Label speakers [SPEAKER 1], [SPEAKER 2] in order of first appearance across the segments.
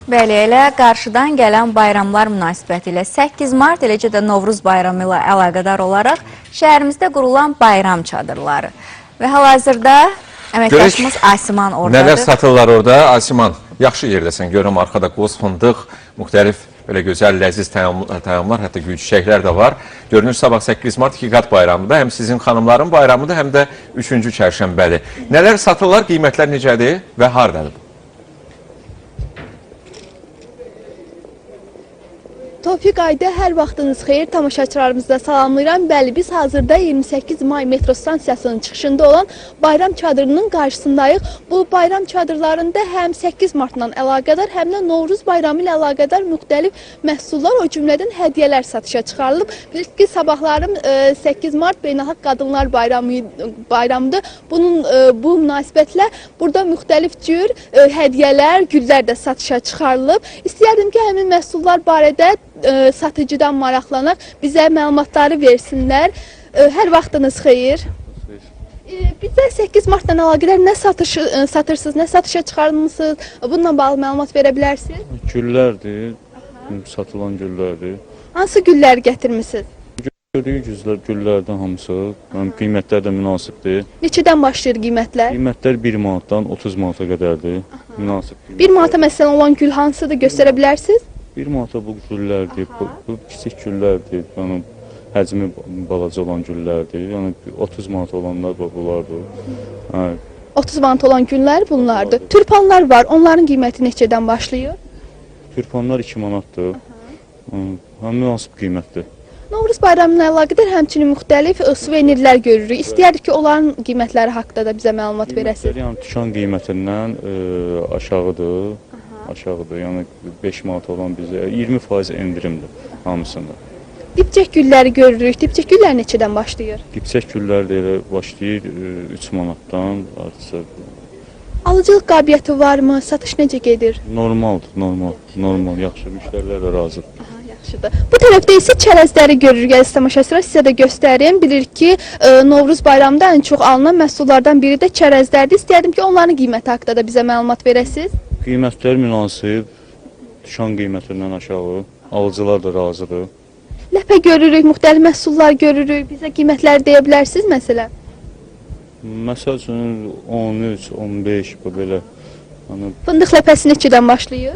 [SPEAKER 1] Bəli, elə qarşıdan gələn bayramlar münasibəti ilə 8 mart, eləcə də Novruz bayramı ilə əlaqədar olaraq şəhərimizdə qurulan bayram çadırları və hal-hazırda əməkdaşımız Asiman oradadır.
[SPEAKER 2] Nələr satırlar orada? Asiman, yaxşı yerdəsən, görürəm arxada qoz, fındıq, müxtəlif belə gözəl, ləziz təyamlar, hətta gül çiçəklər də var. Görünür, sabah 8 mart 2 qat bayramıdır, həm sizin xanımların bayramıdır, həm də 3-cü çərşənbədir. Nələr satırlar, qiymətlər necədir və haradadır?
[SPEAKER 3] Tofiq Ayda, hər vaxtınız xeyir, tamaşaçılarımızda salamlayıram. Bəli, biz hazırda 28 may metro stansiyasının çıxışında olan bayram çadırının qarşısındayıq. Bu bayram çadırlarında həm 8 martla əlaqədar, həm də Novruz bayramı ilə əlaqədar müxtəlif məhsullar, o cümlədən hədiyyələr satışa çıxarılıb. Bilirsiniz ki, sabahlarım 8 mart Beynəlxalq Qadınlar bayramıdır. Bu münasibətlə burada müxtəlif cür hədiyyələr, güllər də satışa çıxarılıb. İstəyərdim ki, həmin məhsullar barədə satıcıdan maraqlanaq, bizə məlumatları versinlər. Hər vaxtınız xeyir. Bizə 8 martdan əlaqədar nə satırsınız, nə satışa çıxarmısınız? Bununla bağlı məlumat verə bilərsiniz?
[SPEAKER 4] Güllərdir, satılan güllərdir.
[SPEAKER 3] Hansı güllər gətirmisiniz?
[SPEAKER 4] Gördüyü güllərdən hamısı, qiymətlər də münasibdir.
[SPEAKER 3] Neçədən başlayır qiymətlər?
[SPEAKER 4] Qiymətlər 1 manatdan 30 manata qədərdir. Münasib.
[SPEAKER 3] 1 manata məsələn olan gül hansıdır, göstərə bilərsiniz?
[SPEAKER 4] 1 manata bu güllərdir, bu kiçik güllərdir, yəni həcmi balaca olan güllərdir. Yəni 30 manat olanlar bunlardır.
[SPEAKER 3] 30 manat olan güllər bunlardır. Türpanlar var, onların qiyməti neçədən başlayır?
[SPEAKER 4] Türpanlar 2 manatdır. Münasib qiymətdir.
[SPEAKER 3] Novruz bayramı ilə əlaqədar həmçinin müxtəlif suvenirlər görürük. İstəyərik ki, onların qiymətləri haqqında da bizə məlumat verəsiniz.
[SPEAKER 4] Yəni dükan qiymətindən aşağıdır. Yəni 5 manat olan bizə 20% endirimdir hamısında.
[SPEAKER 3] Dipçək gülləri görürük. Dipçək güllər neçədən başlayır?
[SPEAKER 4] Dipçək güllər də elə başlayır 3 manatdan artıq.
[SPEAKER 3] Alıcılıq qabiliyyəti varmı? Satış necə gedir?
[SPEAKER 4] Normaldır, normal, yaxşı. Müştərilər də razıdır.
[SPEAKER 3] Yaxşıdır. Bu tərəfdə isə çərəzləri görürük. Əziz tamaşaçılar, sizə də göstərim. Bilirik ki, Novruz bayramında ən çox alınan məhsullardan biri də çərəzlərdir. İstəyərdim ki, onların qiyməti haqqında da bizə məlumat verəsiniz.
[SPEAKER 4] Qiymətlər münasib, dükan qiymətindən aşağı, alıcılar da razıdır.
[SPEAKER 3] Ləpə görürük, müxtəlif məhsullar görürük. Bizə qiymətləri deyə bilərsiniz məsələn?
[SPEAKER 4] Məsəl üçün 13, 15 bu belə.
[SPEAKER 3] Fındıq ləpəsi neçədən başlayır?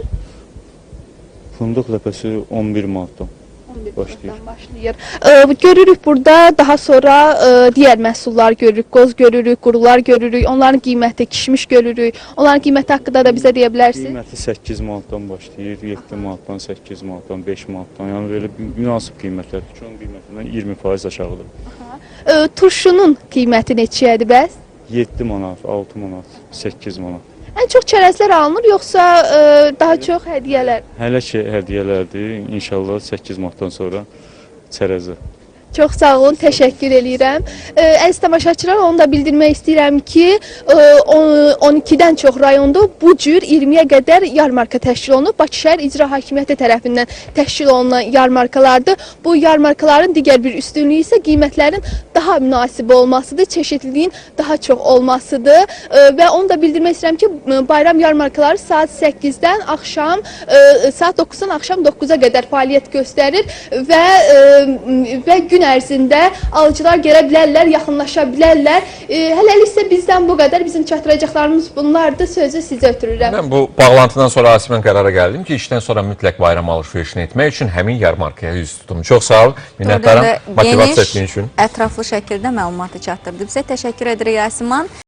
[SPEAKER 4] Fındıq ləpəsi 11 manatdan başlayır.
[SPEAKER 3] Görürük burada daha sonra digər məhsullar görürük. Qoz görürük, qurular görürük. Onların qiyməti, kişmiş görürük. Onların qiyməti haqqında da bizə deyə bilərsiniz?
[SPEAKER 4] Qiyməti 8 manatdan başlayır, 7 manatdan, 8 manatdan, 5 manatdan. Yəni belə münasib qiymətlər. Dükan qiymətindən 20% aşağıdır.
[SPEAKER 3] Turşunun qiyməti neçəyədir bəs?
[SPEAKER 4] 7 manat, 6 manat, 8 manat.
[SPEAKER 3] Ən çox çərəzlər alınır, yoxsa daha çox hədiyyələr?
[SPEAKER 4] Hələ ki, hədiyyələrdir. İnşallah 8 martdan sonra çərəzi.
[SPEAKER 3] Çox sağ olun, təşəkkür eləyirəm. Əziz tamaşaçılar, onu da bildirmək istəyirəm ki, 12-dən çox rayonda bu cür 20-yə qədər yarmarka təşkil olunub. Bakı şəhər İcra Hakimiyyəti tərəfindən təşkil olunan yarmarkalardır. Bu yarmarkaların digər bir üstünlüyü isə qiymətlərin daha münasib olmasıdır, çeşitliliyin daha çox olmasıdır. Və onu da bildirmək istəyirəm ki, bayram yarmarkaları saat 8-dən axşam, saat 9-dan axşam 9-a qədər fəaliyyət göstərir və gün ərzində alıcılar gələ bilərlər, yaxınlaşa bilərlər. Hələlik isə bizdən bu qədər. Bizim çatdıracaqlarımız bunlardır. Sözü sizə ötürürəm.
[SPEAKER 2] Mən bu bağlantıdan sonra Asiman qərara gəldim ki, işdən sonra mütləq bayram alış-verişini etmək üçün həmin yarmarkaya üz tutum. Çox sağ ol, minnətdaram motivasiya etdiyin üçün.
[SPEAKER 1] Ətraflı şəkildə məlumatı çatdırdı. Bizə təşəkkür edirik Asiman.